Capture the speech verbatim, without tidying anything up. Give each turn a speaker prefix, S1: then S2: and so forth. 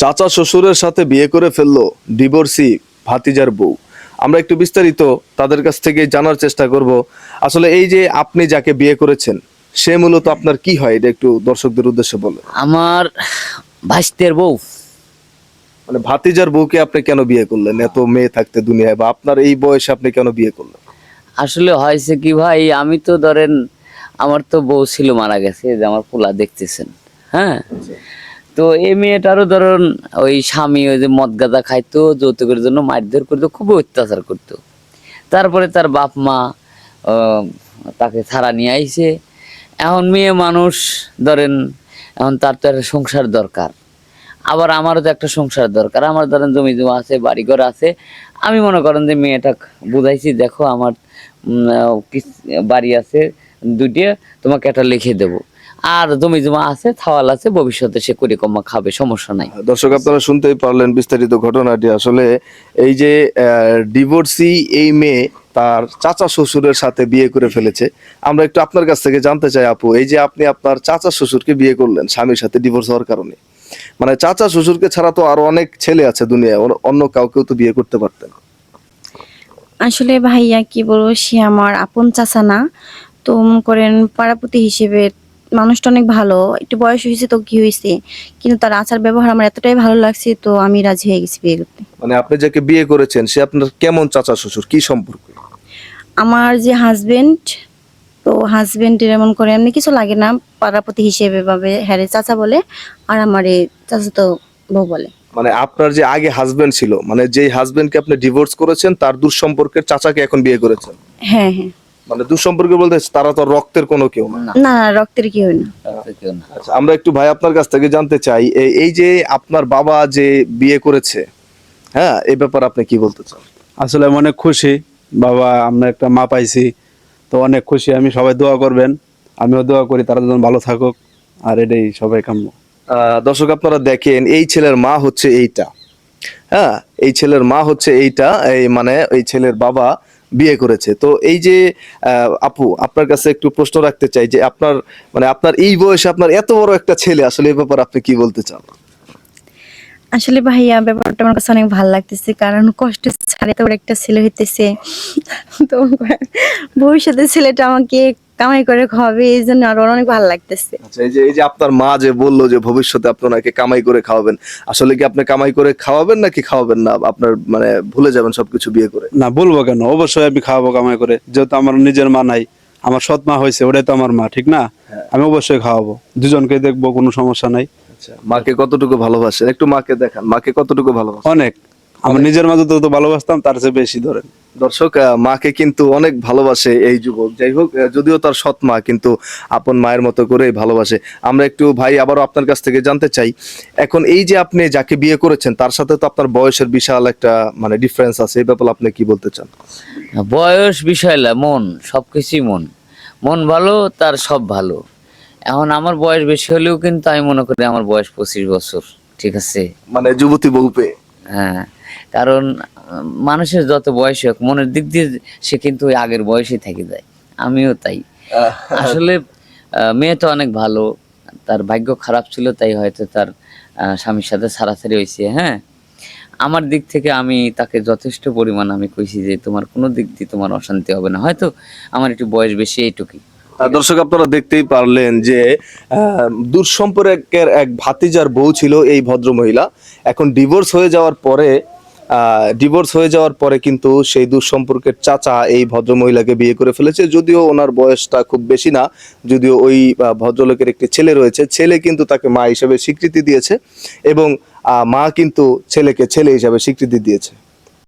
S1: চাচা শ্বশুরের সাথে বিয়ে করে ফেললো ডিভোর্সি ভাতিজার বউ। আমরা একটু বিস্তারিত তাদের কাছ থেকে জানার চেষ্টা করব। আসলে এই যে আপনি যাকে বিয়ে করেছেন সে মূলত আপনার কি হয়, এটা একটু দর্শকদের উদ্দেশ্যে বলে।
S2: আমার ভাইস্তের বউ।
S1: মানে ভাতিজার বউকে আপনি কেন বিয়ে করলেন এত মেয়ে থাকতে দুনিয়ায়, বা আপনার এই বয়সে আপনি কেন বিয়ে করলেন?
S2: আসলে হয়েছে কি ভাই, আমি তো ধরেন আমার তো বউ ছিল, মারা গেছে, যে আমার পোলা দেখতেছেন। হ্যাঁ, তো এই মেয়েটারও ধরুন ওই স্বামী ওই যে মদ গাঁজা খাইতো, যৌতুকের জন্য মারধর করতো, খুব অত্যাচার করতো। তারপরে তার বাপ মা আহ, তাকে ছাড়া নিয়ে আইছে। এখন মেয়ে মানুষ ধরেন, এখন তার তো একটা সংসার দরকার, আবার আমারও তো একটা সংসার দরকার। আমার ধরেন জমি জমা আছে, বাড়িঘর আছে। আমি মনে করেন যে মেয়েটা বুঝাইছি, দেখো আমার উম, আহ, কিস- বাড়ি আছে দুটি, তোমাকে একটা লিখে দেবো, আর জমি জমা আছে, থাওয়াল আছে, ভবিষ্যতে সে কুড়ি কমা খাবে, সমস্যা নাই।
S1: দর্শক আপনারা শুনতেই পারলেন বিস্তারিত ঘটনাটি। আসলে এই যে ডিভোর্সি এই মেয়ে তার চাচা শ্বশুরের সাথে বিয়ে করে ফেলেছে। আমরা একটু আপনার কাছ থেকে জানতে চাই আপু, এই যে আপনি আপনার চাচা শ্বশুরকে বিয়ে করলেন স্বামীর সাথে ডিভোর্স হওয়ার কারণে, মানে চাচা শ্বশুরকে ছাড়া তো আরো অনেক ছেলে আছে দুনিয়ায়, অন্য- অন্য কাউকেও তো বিয়ে করতে পারতেন।
S3: আসলে ভাইয়া কি বলবো, সে আমার আপন চাচা না। তো মনে করেন পাড়াপতি হিসেবে মানুষটা অনেক ভালো, একটু বয়স হয়েছে তো কি হয়েছে, কিন্তু তার আচার ব্যবহার আমার এতটাই ভালো লাগছে, তো আমি রাজি হয়ে গেছি বিয়ে করতে।
S1: মানে আপনি যাকে বিয়ে করেছেন সে আপনার কেমন চাচা শ্বশুর, কি সম্পর্ক?
S3: আমার যে হাজবেন্ড, তো হাজবেন্ডের এমন করে এমনি কিছু লাগে না, পাড়াপতি হিসেবে ভাবে হ্যাঁ রে চাচা বলে, আর আমার এই চাচা তো বউ বলে।
S1: মানে আপনার যে আগে হাজবেন্ড ছিল, মানে যেই হাজবেন্ডকে আপনি ডিভোর্স করেছেন তার দূর সম্পর্কের চাচাকে এখন বিয়ে করেছেন?
S3: হ্যাঁ হ্যাঁ।
S1: মানে দূর সম্পর্কে বলতে তারা তো রক্তের কোনো কেউ না।
S2: না,
S3: না না, রক্তের কি হয় না।
S2: তাতে কেউ না।
S1: আচ্ছা, আমরা একটু ভাই আপনার কাছ থেকে জানতে চাই, এই এই যে আপনার বাবা যে বিয়ে করেছে, হ্যাঁ, এই ব্যাপারে আপনি কি বলতে চান?
S4: আসলে আমি অনেক খুশি, বাবা আমরা একটা মা পাইছি, তো অনেক খুশি আমি। সবাই দোয়া করবেন, আমিও দোয়া করি তারা যেন ভালো থাকুক, আর এটাই সবাই কাম্য।
S1: আহ, দর্শক আপনারা দেখেন, এই ছেলের মা হচ্ছে এইটা, হ্যাঁ, এই ছেলের মা হচ্ছে এইটা, এই মানে এই ছেলের বাবা বিয়ে করেছে। তো এই যে আহ, আপু আপনার কাছে একটু প্রশ্ন রাখতে চাই যে আপনার মানে আপনার এই বয়সে আপনার এত বড় একটা ছেলে, আসলে এই ব্যাপারে আপনি কি বলতে চান?
S3: আসলে ভাইয়া ব্যাপারটা আমার কাছে অনেক ভালো লাগতেছে, কারণ কষ্ট ছাড়ে তো একটা ছেলে হইতেছে, তো ভবিষ্যতে ছেলেটা আমাকে কামাই করে খাওয়াবে, এই জন্য আরো অনেক ভালো লাগতেছে।
S1: আচ্ছা, এই যে এই যে আপনার মা যে বললো যে ভবিষ্যতে আপনাকে কামাই করে খাওয়াবেন, আসলে কি আপনি কামাই করে খাওয়াবেন নাকি খাওয়াবেন না, আপনার মানে ভুলে যাবেন সবকিছু বিয়ে করে?
S4: না, বলবো কেন, অবশ্যই আমি খাওয়াবো কামাই করে, যেহেতু আমার নিজের মা নাই, আমার সৎ মা হয়েছে, ওটাই তো আমার মা, ঠিক না? আমি অবশ্যই খাওয়াবো, দুজনকে দেখবো, কোনো সমস্যা নাই।
S1: আচ্ছা, মাকে কতটুকু ভালোবাসেন একটু মাকে দেখান, মাকে কতটুকু ভালোবাসেন?
S4: অনেক, আমার নিজের মাঝে তো ভালোবাসতাম, তার চেয়ে বেশি ধরেন।
S1: দর্শক আহ, মাকে কিন্তু অনেক ভালোবাসে এই যুবক। যাই হোক, আহ, যদিও তার সৎ মা, কিন্তু আপন মায়ের মতো করেই ভালোবাসে। আমরা একটু ভাই আবারও আপনার কাছ থেকে জানতে চাই, এখন এই যে আপনি যাকে বিয়ে করেছেন তার সাথে তো আপনার বয়সের বিশাল একটা মানে ডিফারেন্স আছে, এই ব্যাপারে আপনি কি বলতে চান?
S2: বয়স বিষয় না, মন, সবকিছুই মন। মন ভালো, তার সব ভালো। এখন আমার বয়স বেশি হলেও কিন্তু আমি মনে করি আমার বয়স পঁচিশ বছর, ঠিক আছে?
S1: মানে যুবতী বউ পেয়ে?
S2: হ্যাঁ, কারণ আহ, মানুষের যত বয়স হোক, মনের দিক দিয়ে সে কিন্তু ওই আগের বয়সে থেকে যায়। আমিও তাই। আসলে আহ, মেয়ে তো অনেক ভালো, তার ভাগ্য খারাপ ছিল, তাই হয়তো তার আহ, স্বামীর সাথে ছাড়াছাড়ি হয়েছে। হ্যাঁ, আমার দিক থেকে আমি তাকে যথেষ্ট পরিমাণ আমি কইছি যে তোমার কোনো দিক দিয়ে তোমার অশান্তি হবে না, হয়তো আমার একটু বয়স বেশি, এইটুকুই।
S1: আহ, দর্শক আপনারা দেখতেই পারলেন যে আহ, দূর সম্পর্কের এক ভাতিজার বউ ছিল এই ভদ্র মহিলা। এখন ডিভোর্স হয়ে যাওয়ার পরে ডিভোর্স হয়ে যাওয়ার পরে কিন্তু সেই দূর সম্পর্কের চাচা এই ভদ্র মহিলাকে বিয়ে করে ফেলেছে। যদিও ওনার বয়সটা খুব বেশি না, যদিও ওই আহ, ভদ্রলোকের একটি ছেলে রয়েছে, ছেলে কিন্তু তাকে মা হিসেবে স্বীকৃতি দিয়েছে, এবং আহ, মা কিন্তু ছেলেকে ছেলে হিসাবে স্বীকৃতি দিয়েছে।